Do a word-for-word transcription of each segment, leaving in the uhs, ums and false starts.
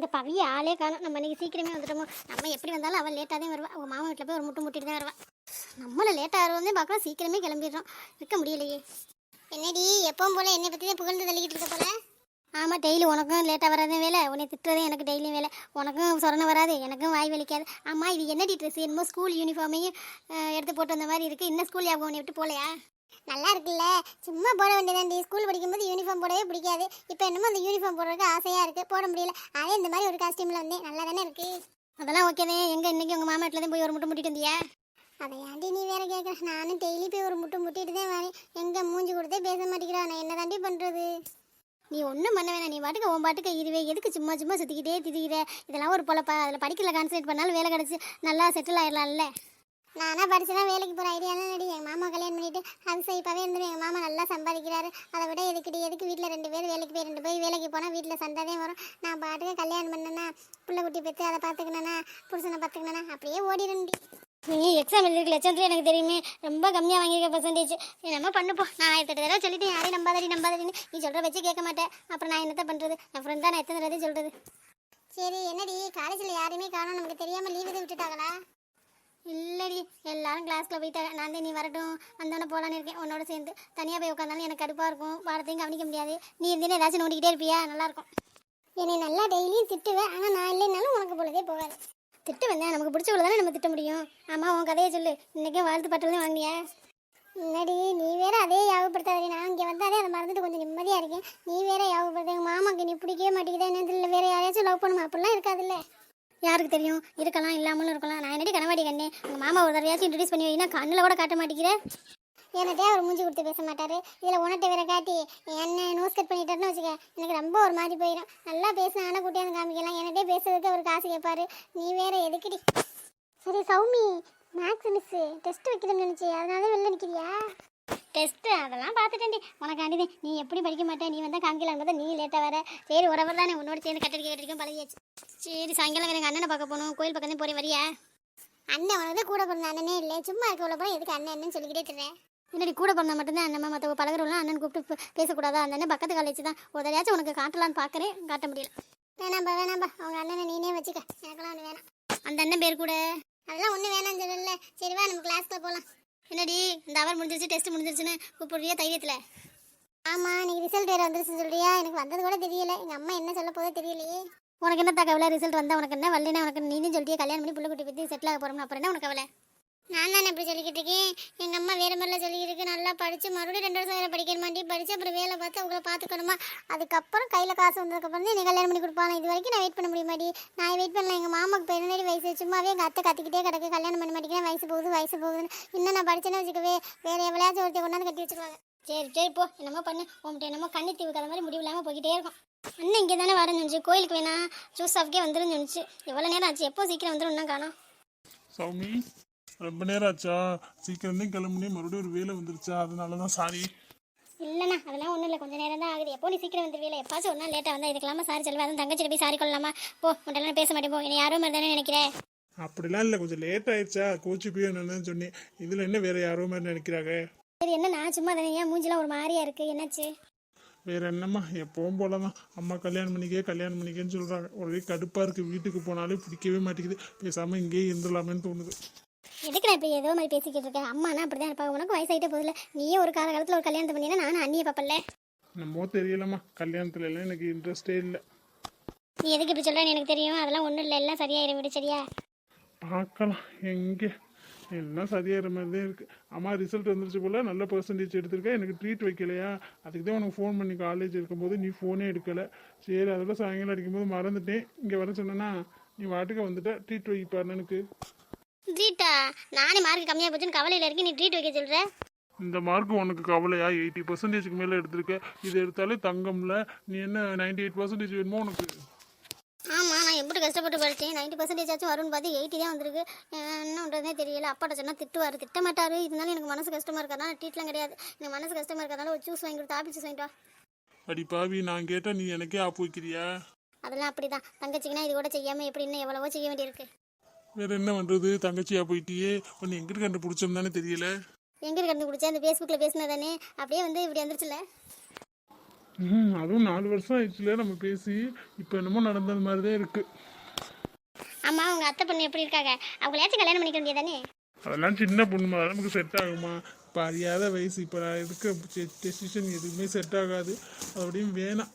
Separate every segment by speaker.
Speaker 1: இந்த பவிய ஆளே காணும். நம்ம இன்னைக்கு சீக்கிரமே வந்துட்டோமோ. நம்ம எப்படி வந்தாலும் அவள் லேட்டாக தான் வருவா. அவங்க மாமா வீட்டில் போய் ஒரு முட்டு முட்டிட்டு தான் வருவா. நம்மளை லேட்டாக வருவோம் பார்க்கலாம், சீக்கிரமே கிளம்பிடுறோம். இருக்க முடியலையே. என்னடி எப்பவும் போல என்னை பற்றி தான் புகழ்ந்து தள்ளிக்கிட்டு இருக்க போல. ஆமாம், டெய்லி உனக்கும் லேட்டாக வராதே வேலை, உன்னை திட்டுறதே எனக்கு டெய்லியும் வேலை. உனக்கும் சொரணை வராது, எனக்கும் வாய் வலிக்காது. ஆமாம், இது என்னடி ட்ரெஸ்? என்னமோ ஸ்கூல் யூனிஃபார்மையும் எடுத்து போட்டு வந்த மாதிரி இருக்குது. இன்னும் ஸ்கூல் ஞாபகம் உன்னை விட்டு போகலையா? நல்லா இருக்குல்ல, சும்மா போட வேண்டியதாண்டி. ஸ்கூல் படிக்கும்போது யூனிஃபார்ம் போடவே பிடிக்காது. இப்போ என்னமோ அந்த யூனிஃபார்ம் போடுறதுக்கு ஆசையாக இருக்குது, போட முடியல. அதே இந்த மாதிரி ஒரு காஸ்டியூமில் வந்தேன், நல்லா தானே இருக்குது. அதெல்லாம் ஓகே தான். எங்கே இன்னைக்கு உங்கள் மாமா வீட்டில் தான் போய் ஒரு முட்டை முட்டிட்டு வந்தியா? அதை ஏன்டி நீ வேற கேட்குற? நானும் டெய்லி போய் ஒரு முட்டை முட்டிட்டு தான் வரேன். எங்கே மூஞ்சி கொடுத்தே பேச மாட்டேங்கிறா. நான் என்ன தாண்டி பண்ணுறது? நீ ஒன்றும் பண்ண வேணாம். நீ பாட்டுக்கு உன் பாட்டுக்கு இருவே. எதுக்கு சும்மா சும்மா சுற்றிக்கிட்டே திரிகிற? இதெல்லாம் ஒரு பொழப்பா? அதில் படிக்கல கான்சன்ட்ரேட் பண்ணாலும் வேலை கிடச்சி நல்லா செட்டில் ஆயிடலாம்ல. நானா படிச்சுதான் வேலைக்கு போகிற ஐடியாலாம் நடி. எங்கள் மாமா கல்யாணம் பண்ணிட்டு அது சைப்பாகவே இருந்துடும். எங்கள் மாமா நல்லா சம்பாதிக்கிறாரு. அதை விட எதுக்குடி எதுக்கு வீட்டில் ரெண்டு பேர் வேலைக்கு போய் ரெண்டு பேர் வேலைக்கு போனால் வீட்டில் சண்டை வரும். நான் பாட்டுக்கு கல்யாணம் பண்ணேன்னா பிள்ளை குட்டி பெற்று அதை பார்த்துக்கணுன்னா புருஷனை பார்த்துக்கணுன்னா அப்படியே ஓடிடுண்டி. நீ எக்ஸாம் எழுதிருக்கு லட்சத்துல எனக்கு தெரியுமே. ரொம்ப கம்மியாக வாங்கியிருக்க பர்சன்டேஜ். என்னமோ பண்ணுப்போ. நான் ஆயிரத்தி எட்டு தடவை சொல்லிட்டு யாரையும் நம்பாதடி நம்பாதடின்னு நீ சொல்கிற வச்சு கேட்க மாட்டேன். அப்புறம் நான் என்னத்த பண்ணுறது? என் ஃப்ரெண்ட் தான் நான் எத்தனை தடவை சொல்கிறது. சரி என்னடி காலேஜில் யாருமே காணும், நமக்கு தெரியாமல் லீவு எதுவும் விட்டுட்டாங்களா? இல்லடி, எல்லாரும் கிளாஸ்க்குள்ள போயிட்டாங்க. நான் தான் நீ வரட்டும் வந்தோடனே போகலான்னு இருக்கேன் உன்னோட சேர்ந்து. தனியாக போய் உட்காந்தாலும் எனக்கு கடுப்பாக இருக்கும், பாடத்தையும் கவனிக்க முடியாது. நீ இருந்தீங்கன்னா ஏதாச்சும் நோண்டிக்கிட்டே இருப்பியா? நல்லாயிருக்கும். என்னை நல்லா டெய்லியும் திட்டுவேன், ஆனால் நான் இல்லைனாலும் உனக்கு பொழுதே போகாது. திட்டு வந்தேன், நமக்கு பிடிச்சவள தானே நம்ம திட்ட முடியும். ஆமாம், உன் கதையை சொல்லு. இன்றைக்கே வாழ்த்து பட்டல் தான் வாங்கினியா? முன்னாடி நீ வேற அதே யாகப்படுத்தாதே. நான் இங்கே வந்தாலே அதை மறந்துட்டு கொஞ்சம் நிம்மதியாக இருக்கேன். நீ வேற யாகப்படுத்த. எங்கள் மாமாக்கு நீ பிடிக்கவே மாட்டேங்குதா என்ன? இல்லை வேற யாரையாச்சும் லவ் பண்ணுமா? அப்படிலாம் இருக்காதுல்ல. யாருக்கு தெரியும், இருக்கலாம் இல்லாமலும் இருக்கலாம். நான் என்னடி கனவாடி கண்ணே. உங்கள் மாமா ஒரு தடவையாச்சும் இன்ட்ரடியூஸ் பண்ணி வைனா கண்ணில் கூட காட்ட மாட்டேங்கிறேன். என்னட்டே அவர் மூஞ்சி கொடுத்து பேச மாட்டார். இதில் உனட்ட வேற காட்டி என்ன நோஸ் கட் பண்ணிட்டாருன்னு வச்சுக்க, எனக்கு ரொம்ப ஒரு மாதிரி போயிடும். நல்லா பேசினா ஆனால் கூட்டியாந்து காமிக்கலாம். என்னட்டே பேசுறதுக்கு அவர் காசு கேட்பாரு. நீ வேற எதுக்குடி? சரி சௌமி, மேக்ஸ் மிஸ்ஸு டெஸ்ட் வைக்கிறேன்னு நினச்சி அதனால வெளில நிற்கிறியா? டெஸ்ட்டு அதெல்லாம் பார்த்துட்டேன்டி உனக்காண்டிதே. நீ எப்படி படிக்க மாட்டேன், நீ வந்தால் காமிக்கலாம் பார்த்தா நீ லேட்டாக வர. சரி உறவர் தானே, உன்னோட சேர்ந்து கட்டடி கேட்டிருக்கேன் பழகியாச்சு. சரி சாயங்காலம் எனக்கு அண்ணனை பார்க்க போகணும், கோயில் பக்கம் தான் போகிறேன், வரியா? அண்ணன் உனக்கு கூட பிறந்த அண்ணனே இல்லை, சும்மா இருக்க உள்ள போய் எதுக்கு அண்ணன் என்னன்னு சொல்லிக்கிட்டே இருக்கிறேன். என்னடி கூட பிறந்தா மட்டும்தான் அண்ணன், மற்ற பழகிறவங்களாம் அண்ணன் கூப்பிட்டு பேசக்கூடாதா? அந்த அண்ணன் பக்கத்து காலேஜ் தான். ஒரு தடையாச்சும் உனக்கு காட்டலான்னு பார்க்குறேன், காட்ட முடியல. வேணாம்பா வேணாம்பா, அவங்க அண்ணனை நீனே வச்சுக்க, எனக்கெல்லாம் ஒன்று வேணாம். அந்த அண்ணன் பேர் கூட அதெல்லாம் ஒன்றும் வேணாம்னு சொல்லல. சரி வா நம்ம கிளாஸ்க்குள்ள போகலாம். என்னடி இந்த அவர் முடிஞ்சிருச்சு, டெஸ்ட் முடிஞ்சிருச்சுன்னு கூப்பிடுறியா தைரியத்தில்? ஆமாம், இன்னைக்கு ரிசல்ட் வேறு வந்துருச்சுன்னு சொல்றியா? எனக்கு வந்தது கூட தெரியல. எங்கள் அம்மா என்ன சொல்ல போதோ தெரியலையே. உனக்கு என்ன தகவலை? ரிசல்ட் வந்தால் உனக்கு என்ன வரலன்னா உனக்கு நீனும் சொல்லிட்டு கல்யாணம் பண்ணி பிள்ளை குட்டி பற்றி செட்டில் ஆக போகிறோம்னு அப்புறம் என்ன உனக்கு கவலை? நான் தானே எப்படி சொல்லிக்கிட்டு இருக்கேன். எங்கள் அம்மா வேறு மாதிரிலாம் சொல்லிக்கிட்டு நல்லா படித்து மறுபடியும் ரெண்டு வருஷம் வேறு படிக்கணும் மாட்டி படித்து அப்புறம் வேலை பார்த்து அவங்கள பார்த்துக்கணுமா. அதுக்கப்புறம் கையில் காசு வந்ததுக்கப்புறம் தான் எனக்கு கல்யாணம் பண்ணி கொடுப்பாங்க. இது வரைக்கும் நான் வெயிட் பண்ண முடிய மாட்டி. நான் வெயிட் பண்ணல. எங்கள் மாமாக்கு பதினேழு வயசு, சும்மாவே எங்கள் அத்தை கத்திக்கிட்டே கிடக்கு கல்யாணம் பண்ண மாட்டேங்கிறேன், வயசு போகுது வயசு போகுதுன்னு. இன்னும் நான் படிச்சேன்னு வச்சுக்கவே வேறு எவ்வளோயாச்சும் ஒருத்தர் கொண்டாந்து கட்டி வச்சுருவாங்க. சரி சரி போ, என்னமோ பண்ணு. உங்கள்கிட்ட என்னமோ கண்ணி தீவு கதை மாதிரி முடிவு இல்லாமல் போய்கிட்டே இருக்கும். அண்ணன் இங்கே தானே வரேன்னு சொன்னிச்சு, கோயிலுக்கு வேணா ஜூஸ் ஆஃப்கே வந்துருன்னு சொன்னிச்சு. எவ்வளோ நேரம் ஆச்சு? எப்போ சீக்கிரம் வந்துடும் இன்னும் காணோம்.
Speaker 2: சௌமி, ரொம்ப நேரம் ஆச்சா? சீக்கிரம் தான் கிளம்புனே, மறுபடியும் ஒரு வேலை வந்துருச்சா, அதனால தான் சாரி.
Speaker 1: இல்லைண்ணா அதெல்லாம் ஒன்றும் இல்லை, கொஞ்சம் நேரம் தான் ஆகுது. எப்போ நீ சீக்கிரம் வந்துருவீல, எப்பாச்சும் ஒரு நாள் லேட்டாக வந்தால் இதுக்கெல்லாமா சாரி சொல்லுவேன். அதுவும் தங்கச்சிட்டு போய் சாரி கொள்ளலாமா? போ, உன்ட்டெல்லாம் பேச மாட்டேன் போ. என்னை யாரும் மாதிரி தானே நினைக்கிறேன்.
Speaker 2: அப்படிலாம் இல்லை, கொஞ்சம் லேட் ஆயிடுச்சா, கோச்சு போய் என்னன்னு சொன்னேன். இதில் என்ன வேற யாரோ மாதிரி நினைக்கிறாங்க?
Speaker 1: சரி என்ன நான் சும்மா தானே, ஏன் மூஞ்சிலாம் ஒரு மாதிரியா இருக்குது, என்னாச்சு?
Speaker 2: வேற என்னம்மா, எப்பவும் போல தான். அம்மா கல்யாணம் பண்ணிக்கே கல்யாணம் பண்ணிக்கேன்னு சொல்கிறாங்க. ஒரே கடுப்பாக இருக்குது. வீட்டுக்கு போனாலே பிடிக்கவே மாட்டேங்குது. பேசாமல் இங்கேயே இருந்துடலாமேன்னு தோணுது.
Speaker 1: எதுக்கு நான் இப்போ ஏதோ மாதிரி பேசிக்கிட்டு இருக்கேன்? அம்மானா அப்படி தான் இருப்பாங்க. உனக்கு வயசாகிட்டே போதில்ல. நீயே ஒரு காலகாலத்தில் ஒரு கல்யாணத்தை பண்ணினா நானும் அண்ணியை பார்ப்பல.
Speaker 2: நம்ம தெரியலம்மா, கல்யாணத்துல எல்லாம் எனக்கு இன்ட்ரெஸ்டே இல்லை.
Speaker 1: நீ எதுக்கு இப்படி சொல்கிறேன்னு எனக்கு தெரியும். அதெல்லாம் ஒன்றும் இல்லை, எல்லாம் சரியாயிரும் விடு. சரியா
Speaker 2: பார்க்கலாம். எங்கே எல்லாம் சரியாகிற மாதிரி தான் இருக்குது. அம்மா ரிசல்ட் வந்துருச்சு போல், நல்ல பர்சன்டேஜ் எடுத்திருக்கேன். எனக்கு ட்ரீட் வைக்கலையா? அதுக்கு தான் உனக்கு ஃபோன் பண்ணி காலேஜ் இருக்கும்போது நீ ஃபோனே எடுக்கலை. சரி அதோட சாயங்காலம் அடிக்கும்போது மறந்துட்டேன். இங்கே வர சொன்னேன்னா நீ வாட்டுக்கு வந்துட்ட. ட்ரீட் வைப்பாரு எனக்கு.
Speaker 1: ட்ரீட்டா? நானே மார்க் கம்மியாக போச்சுன்னு கவலையில் இருக்கேன், நீ ட்ரீட் வைக்க சொல்கிற?
Speaker 2: இந்த மார்க் உனக்கு கவலையா? எயிட்டி பர்சன்டேஜுக்கு மேலே எடுத்திருக்க. இது எடுத்தாலே தங்கம்ல. நீ என்ன நைன்டி எயிட் பர்சன்டேஜ் வேணுமோ உனக்கு?
Speaker 1: ஆமாம், நான் எப்படி கஷ்டப்பட்டு படித்தேன். நைன்ட்டி பர்சன்டேஜ் ஆச்சும் வரும்னு பார்த்து எயிட்டி தான் வந்திருக்கு. என்ன பண்ணுறதே தெரியல. அப்பாட்ட சொன்னால் திட்டுவார், திட்ட மாட்டார். இருந்தாலும் எனக்கு மனசு கஷ்டமாக இருக்கிறதுனால ட்ரீட்லாம் கிடையாது. எனக்கு மனசு கஷ்டமாக இருக்கிறதுனால ஒரு ஜூஸ் வாங்கி கொடுத்து ஆப்பிள் ஜூஸ் வாங்கிட்டா.
Speaker 2: அடி பாவி, நான் கேட்டால் நீ எனக்கே ஆப்பு வைக்கிறியா?
Speaker 1: அதெல்லாம் அப்படி தான். தங்கச்சிங்கன்னா இது கூட செய்யாமல் எப்படி இன்னும் எவ்வளவோ செய்ய வேண்டியிருக்கு.
Speaker 2: வேற என்ன பண்ணுறது? தங்கச்சியா போயிட்டியே. ஒன்று எங்கிட்டு கண்டுபிடிச்சோம் தானே தெரியல.
Speaker 1: எங்கே கண்டுபிடிச்சேன்? அந்த ஃபேஸ்புக்கில் பேசினதானே அப்படியே வந்து இப்படி வந்துருச்சுல.
Speaker 2: ம் அதுவும் நாலு வருஷம் ஆயிடுச்சுல நம்ம பேசி. இப்போ என்னமோ நடந்தது மாதிரி தான் இருக்குது.
Speaker 1: ஆமா, உங்க அத்தை பொண்ணு எப்படி இருக்காங்க? அவங்களையாச்சும் கல்யாணம் பண்ணிக்க வேண்டியதானே?
Speaker 2: அதெல்லாம் சின்ன பொண்ணுமா, அதெல்லாம் நமக்கு செட் ஆகுமா? இப்போ அறியாத வயசு, இப்போ நான் எடுக்க டெசிஷன் எதுவுமே செட் ஆகாது. அப்படியும் வேணாம்.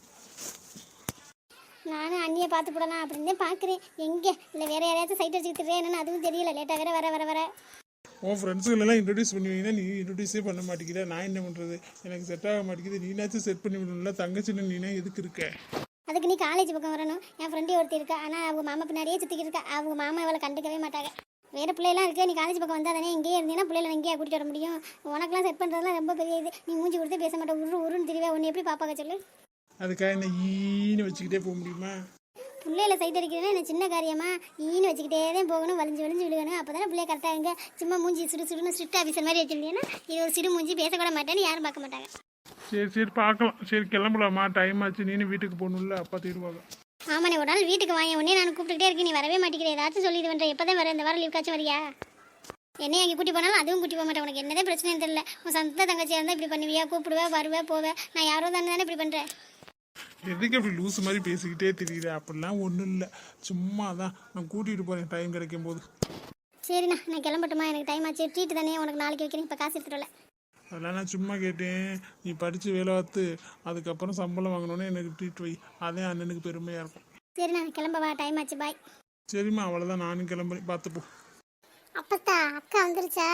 Speaker 1: நானும் அண்ணியை பார்த்து போடலாம் அப்படின்னு தான் பார்க்குறேன். எங்கே இல்லை வேற யாரையாச்சும் சைட் அடிச்சுக்கிட்டு என்னன்னு அதுவும் தெரியல. லேட்டாக வேற வர வர வர
Speaker 2: உன் ஃப்ரெண்ட்ஸுகளெல்லாம் இன்ட்ரடியூஸ் பண்ணுவீங்கன்னா நீ இன்ட்ரடியூஸே பண்ண மாட்டேங்கிற. நான் என்ன பண்ணுறது? எனக்கு செட் ஆக மாட்டேங்குது. நீனாச்சும் செட் பண்ணி விடணும்ல. தங்கச்சின்னு நீனா எதுக்கு இருக்க?
Speaker 1: அதுக்கு நீ காலேஜ் பக்கம் வரணும். என் ஃப்ரெண்டு ஒருத்தி இருக்கா, ஆனால் அவங்க மாமா பின்னாடியே சுற்றிக்கிட்டு இருக்கா. அவங்க மாமா அவளை கண்டுக்கவே மாட்டாங்க. வேறு பிள்ளைலாம் இருக்கு. நீ காலேஜ் பக்கம் வந்தால் தானே இங்கேயே இருந்தீங்கன்னா பிள்ளைகளை இங்கேயே கூட்டிகிட்டு வர முடியும். உனக்கெல்லாம் செட் பண்ணுறதுலாம் ரொம்ப பெரிய இது. நீ மூஞ்சி கொடுத்து பேச மாட்டேன். உரு உருன்னு தெரியவே. உன்னை எப்படி பாப்பாங்க சொல்லு?
Speaker 2: அதுக்காக என்ன ஈன்னு வச்சுக்கிட்டே போக முடியுமா?
Speaker 1: பிள்ளையில சைட் அடிக்கிறதுனா என்ன சின்ன காரியமா? ஈன்னு வச்சுக்கிட்டே தான் போகணும், வலிஞ்சு வலிஞ்சு விழுகணும். அப்போ தானே பிள்ளைய கரெக்டாக இருங்க. சும்மா மூஞ்சி சுடு சுடுன்னு ஸ்ட்ரிக்ட் ஆஃபீஸர் மாதிரி வச்சுருந்தீங்கன்னா இது ஒரு சிறு மூஞ்சி, பேசக்கூட மாட்டேன்னு யாரும் பார்க்க மாட்டாங்க.
Speaker 2: சரி சரி பார்க்கலாம். சரி கிளம்பலாமா? டைம் ஆச்சு. நீனு வீட்டுக்கு போகணும்ல. அப்பா தீருவாங்க.
Speaker 1: ஆமாண்ணே, ஒரு நாள் வீட்டுக்கு வாங்க. உடனே நான் கூப்பிட்டுக்கிட்டே இருக்கேன். நீ வரவே மாட்டேங்கிறேன். ஏதாச்சும் சொல்லி இது பண்ணுறேன். எப்போ தான் வர? இந்த வாரம் லீவ்காச்சும் வரியா? என்னையும் அங்கே கூட்டி போனாலும் அதுவும் கூட்டி போக மாட்டேன். உனக்கு என்னதான் பிரச்சனைன்னு தெரியல. உன் சொந்த தங்கச்சியாக இருந்தால் இப்படி பண்ணுவியா? கூப்பிடுவேன், வருவேன், போவேன். நான் யாரோ தானே தானே இப்படி பண்ணுறேன்.
Speaker 2: எதுக்கு அப்படி லூஸ் மாதிரி பேசிக்கிட்டே தெரியுது? அப்படிலாம் ஒன்றும் இல்லை. சும்மா தான் நான் கூட்டிகிட்டு போகிறேன் டைம் கிடைக்கும் போது.
Speaker 1: சரிண்ணா, நான் கிளம்பட்டுமா? எனக்கு டைம் ஆச்சு. ட்ரீட் தானே உனக்கு நாளைக்கு வைக்கிறேன். இப்போ காசு எடுத்துட்டு வரல.
Speaker 2: அதெல்லாம் நான் சும்மா கேட்டேன். நீ படித்து வேலை பார்த்து அதுக்கப்புறம் சம்பளம் வாங்கினோன்னே எனக்கு ட்ரீட் வை. அதே அண்ணனுக்கு பெருமையாக இருக்கும்.
Speaker 1: சரிண்ணா, கிளம்பவா? டைம் ஆச்சு. பாய்.
Speaker 2: சரிம்மா, அவ்வளோதான். நானும் கிளம்புறேன். பார்த்துப்போ.
Speaker 1: அப்பத்தா அக்கா வந்துருச்சா?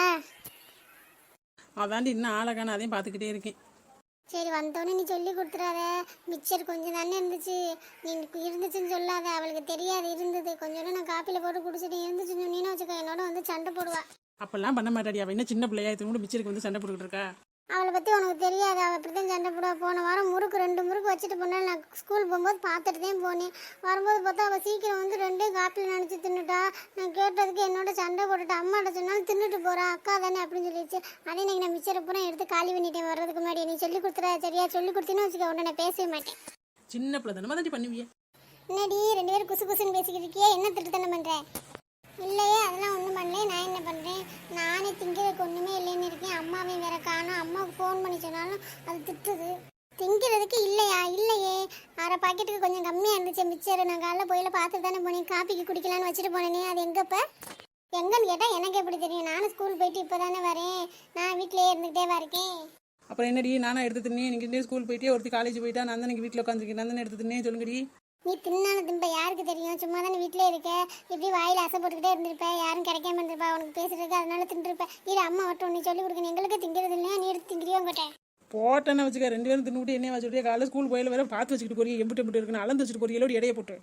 Speaker 3: அதாண்டி இன்னும் ஆளக்கான அதையும் பார்த்துக்கிட்டே இருக்கேன்.
Speaker 1: சரி, வந்தோடனே நீ சொல்லி கொடுத்துறாத. மிக்சர் கொஞ்சம் தானே இருந்துச்சு. நீ இருந்துச்சுன்னு சொல்லாத. அவளுக்கு தெரியாது இருந்தது. கொஞ்சோண்டு நான் காப்பியில் போட்டு குடிச்சிட்டு இருந்துச்சுன்னு சொன்னீன்னு வச்சுக்கோ, என்னோட வந்து சண்டை போடுவா.
Speaker 3: அப்பெல்லாம் பண்ண மாட்டாடி. அவள் என்ன சின்ன பிள்ளையா? இது கூட மிச்சருக்கு வந்து சண்டை போட்டுக்கிட்டு இருக்கா.
Speaker 1: அவளை பற்றி உனக்கு தெரியாது. அவள் அப்படி தான் சண்டை போடுவா. போன வாரம் முறுக்கு ரெண்டு முறுக்கு வச்சுட்டு போனாலும் நான் ஸ்கூல் போகும்போது பார்த்துட்டு தான் போனேன். வரும்போது பார்த்தா அவள் சீக்கிரம் வந்து ரெண்டே காப்பியில் நினச்சி தின்னுட்டா. நான் கேட்டதுக்கு என்னோட சண்டை போட்டுட்டு அம்மாட்ட சொன்னாலும் தின்னுட்டு போகிறா. அக்கா தானே அப்படின்னு சொல்லிடுச்சு. அதே இன்னைக்கு நான் மிச்சரை பூரா எடுத்து காலி பண்ணிட்டேன் வர்றதுக்கு முன்னாடி. நீ சொல்லி கொடுத்துறா சரியா? சொல்லி கொடுத்தீன்னு வச்சுக்க, உடனே நான் பேசவே மாட்டேன்.
Speaker 3: சின்ன பிள்ளை தானே தாண்டி பண்ணுவியே.
Speaker 1: என்னடி ரெண்டு பேரும் குசு குசுன்னு பேசிக்கிட்டு இருக்கியே? என்ன திட்டுத்தனை பண்ணுறேன்? இல்லையே, அதெல்லாம் ஒன்றும் பண்ணல. நான் என்ன பண்ணுறேன்? நானே திங்கிறதுக்கு ஒன்றுமே இல்லைன்னு இருக்கேன். அம்மாவையும் வேற காணும். அம்மாவுக்கு ஃபோன் பண்ணி சொன்னாலும் அது திட்டுது. திங்கிறதுக்கு இல்லையா? இல்லையே, அரை பாக்கெட்டுக்கு கொஞ்சம் கம்மியாக இருந்துச்சு மிச்சர். நான் காலைல போயில பார்த்துட்டு தானே போனேன். காப்பிக்கு குடிக்கலான்னு வச்சுட்டு போனேனே. அது எங்கப்போ எங்கன்னு கேட்டால் எனக்கு எப்படி தெரியும்? நானும் ஸ்கூல் போயிட்டு இப்போ தானே வரேன். நான் வீட்டிலேயே இருந்துகிட்டே வரேன்.
Speaker 3: அப்புறம் என்னடி? நானும் எடுத்து தின்னே. நீங்கள் ஸ்கூல் போயிட்டே ஒருத்தி காலேஜ் போயிட்டா. நான் தான் வீட்டில் உட்காந்துருக்கேன். நான் தானே எடுத்து தின்னே. சொல்லுங்கடி.
Speaker 1: நீ தின்னான திம்ப யாருக்கு தெரியும்? சும்மா தானே வீட்டிலே இருக்க. இப்படி வாயில் ஆசை போட்டுக்கிட்டே இருந்திருப்ப. யாரும் கிடைக்காம இருந்திருப்பா உனக்கு பேசுறதுக்கு. அதனால தின்றுருப்ப. இது அம்மா மட்டும் நீ சொல்லி கொடுக்கணும். எங்களுக்கு திங்கிறது இல்லையா? நீ எடுத்து திங்கிறியோ உங்ககிட்ட
Speaker 3: போட்டேன்னு வச்சுக்க. ரெண்டு பேரும் தின்னுட்டு என்ன வச்சுட்டு காலையில் ஸ்கூல் போயில வேற பார்த்து வச்சுக்கிட்டு போறீங்க. எம்பிட்டு எம்பிட்டு இருக்குன்னு அளந்து வச்சுட்டு போறீங்களோட இடையே போட்டு.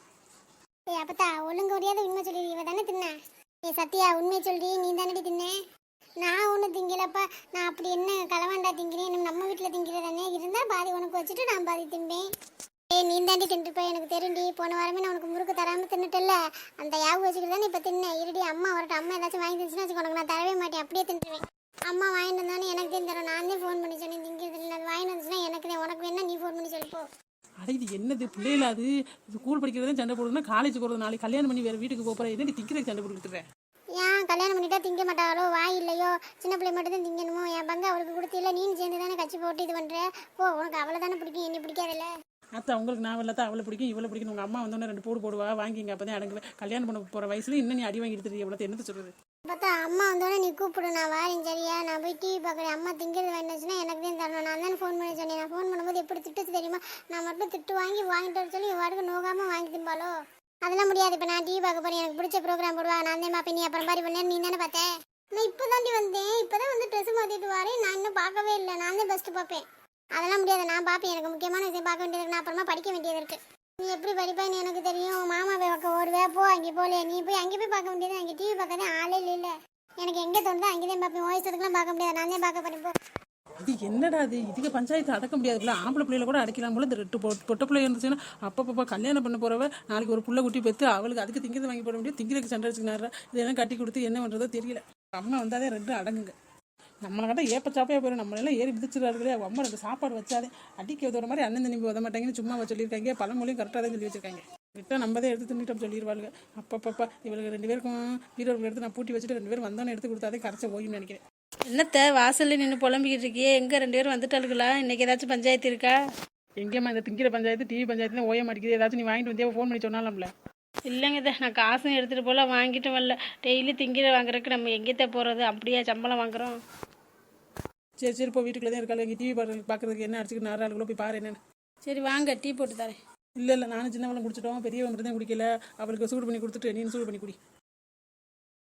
Speaker 1: ஏய் அப்பத்தா, ஒழுங்கு முடியாத உண்மை சொல்லி. இவ தானே தின்னா? ஏ சத்யா, உண்மை சொல்லி. நீ தானடி தின்ன? நான் ஒன்றும் திங்கலப்பா. நான் அப்படி என்ன களவாண்டா திங்கிறேன்? நம்ம வீட்டில் திங்கிறதானே இருந்தால் பாதி உனக்கு வச்சுட்டு நான் பாதி தின்பேன். ஏய், நீ தாண்டி தின்றுப்ப. எனக்கு தெரியும்டி. போன வாரமே நான் உனக்கு முறுக்கு தராமல் தின்னுட்டல. அந்த யாவு வச்சுக்கிட்டு தானே இப்போ தின்னேன். இருடி, அம்மா வரட்டும். அம்மா ஏதாச்சும் வாங்கி தந்துச்சுன்னா வச்சுக்கோ, உனக்கு நான் தரவே மாட்டேன். அப்படியே தின்றுவேன். அம்மா வாங்கிட்டு வந்தானே எனக்கு தான் தரும். நான் தான் ஃபோன் பண்ணி சொன்னேன் திங்கிறது இல்லை. அது வாங்கிட்டு வந்துச்சுன்னா எனக்கு தான். உனக்கு வேணா நீ ஃபோன் பண்ணி சொல்லிப்போ.
Speaker 3: அட இது என்னது பிள்ளைல? அது ஸ்கூல் படிக்கிறதே சண்டை போடுதுன்னா காலேஜ் போகிறது. நாளைக்கு கல்யாணம் பண்ணி வேறு வீட்டுக்கு போகிறேன். என்னடி திங்கிறதுக்கு சண்டை போட்டுக்கிட்டு?
Speaker 1: ஏன் கல்யாணம் பண்ணிட்டா திங்க மாட்டாளோ? வாய் இல்லையோ? சின்ன பிள்ளை மட்டும் தான் திங்கணுமோ? என் பங்கு அவளுக்கு கொடுத்தில்ல. நீ சேர்ந்து தானே கட்சி போட்டு இது பண்ணுற. ஓ, உனக்கு அவளை தானே பிடிக்கும், என்னை பிடிக்காதில்ல.
Speaker 3: அத்தை அவங்களுக்கு நான் இல்லாத அவளை பிடிக்கும், இவளை பிடிக்கும். உங்கள் அம்மா வந்தோடனே ரெண்டு போடு போடுவா. வாங்கிங்க. அப்போ தான் அடங்குவேன். கல்யாணம் பண்ண போகிற வயசுல இன்னும் நீ அடி வாங்கி எடுத்துட்டு எவ்வளோ என்னத்தை சொல்கிறது?
Speaker 1: பார்த்தா அம்மா வந்தோடனே நீ கூப்பிடு, நான் வாரேன் சரியா? நான் போய் டிவி பார்க்குறேன். அம்மா திங்கிறது வேணுச்சுன்னா எனக்கு தான் தரணும். நான் தானே ஃபோன் பண்ணி சொன்னேன். நான் ஃபோன் பண்ணும்போது எப்படி திட்டுச்சு தெரியுமா? நான் மட்டும் திட்டு வாங்கி வாங்கிட்டு வர சொல்லி வாடகை நோகாமல் வாங்கி திம்பாலோ? அதெல்லாம் முடியாது. இப்போ நான் டிவி பார்க்க போகிறேன். எனக்கு பிடிச்ச ப்ரோக்ராம் போடுவா. நான் தான் பார்ப்பேன். நீ அப்புறம் மாதிரி பண்ணேன். நீ தானே பார்த்தேன். நான் இப்போ தாண்டி வந்தேன். இப்போ தான் வந்து ட்ரெஸ் மாற்றிட்டு வரேன். நான் இன்னும் பார்க்கவே இல்லை. நான் தான் பெஸ்ட்டு பார்ப்பேன். அதெல்லாம் முடியாது. நான் பார்ப்பேன். எனக்கு முக்கியமான விஷயம் பார்க்க வேண்டியது இருக்கு. நான் அப்புறமா படிக்க வேண்டியது இருக்குது. நீ எப்படி படிப்பேன்னு எனக்கு தெரியும். மாமா போய் பார்க்க ஓடுவே. போ, அங்கே போகலையே. நீ போய் அங்கே போய் பார்க்க வேண்டியது. அங்கே டிவி பார்க்கறதே ஆளே இல்லை. எனக்கு எங்கே தோணுதோ அங்கே தான் பார்ப்பேன். வயசுக்குலாம் பார்க்க முடியாது. நான் தான் பார்க்க போறேன். போ.
Speaker 3: இது என்னடா அது? இதுக்கு பஞ்சாயத்து அடக்க முடியாது. ஆம்பளை பிள்ளைல கூட அடைக்கலாம் போல. இந்த ரெட்டு பொட்ட பிள்ளை இருந்துச்சுன்னா அப்பப்போ கல்யாணம் பண்ண போறவ நாளைக்கு ஒரு புள்ள குட்டி பெற்று அவளுக்கு அதுக்கு திங்கிறது வாங்கி போட முடியும். திங்கிறதுக்கு சண்டை வச்சுக்கினாரா? இதெல்லாம் கட்டி கொடுத்து என்ன பண்ணுறதோ தெரியல. அம்மா வந்தாதே ரெண்டும் அடங்குங்க. நம்மளை கட்ட ஏப்ப சாப்பையா போயிடும். நம்மளெல்லாம் ஏறி விதிச்சிருக்காரு. அவங்க அம்மா எனக்கு சாப்பாடு வச்சாதே அடிக்க உதவுற மாதிரி அண்ணன் தண்ணி உத மாட்டாங்கன்னு சும்மா சொல்லியிருக்காங்க. பழமொழியும் கரெக்டாக தான் சொல்லி வச்சிருக்காங்க. விட்டால் நம்ம தான் எடுத்து தின்னுட்டோம் சொல்லிடுவாளுங்க. அப்பப்பப்பா இவளுக்கு ரெண்டு பேருக்கும் வீரர்கள் எடுத்து நான் பூட்டி வச்சுட்டு ரெண்டு பேரும் வந்தோன்னு எடுத்து கொடுத்தாதே கரைச்ச ஓய்வுன்னு நினைக்கிறேன்.
Speaker 4: என்னத்த வாசல்ல நின்று புலம்பிக்கிட்டு இருக்கியே? எங்க ரெண்டு பேரும் வந்துட்டாளுங்களா? இன்னைக்கு ஏதாச்சும் பஞ்சாயத்து இருக்கா?
Speaker 3: எங்கேம்மா இந்த திங்கிற பஞ்சாயத்து டிவி பஞ்சாயத்து ஓய மாட்டேங்குது. ஏதாச்சும் நீ வாங்கிட்டு வந்தியா ஃபோன் பண்ணி சொன்னாலும்ல.
Speaker 4: இல்லைங்க இதை நான் காசும் எடுத்துகிட்டு போல வாங்கிட்டு வரல. டெய்லி திங்கிற வாங்குறதுக்கு நம்ம எங்கேத்த போகிறது? அப்படியே சம்பளம் வாங்குறோம்.
Speaker 3: சரி சரி இப்போ வீட்டுக்குள்ளே தான் இருக்காள். இங்கே டிவி பார்க்க பார்க்குறதுக்கு என்ன அடிச்சுக்கிட்டு நாலு ஆளுக்குள்ள போய் பாரு என்னன்னு.
Speaker 4: சரி வாங்க டீ போட்டு தரேன்.
Speaker 3: இல்லை இல்லை நானும் சின்னவளும் குடிச்சிட்டோம். பெரியவன் மட்டும் தான் குடிக்கல. அவளுக்கு சூடு பண்ணி கொடுத்துட்டு நீனும் சூடு பண்ணி குடி.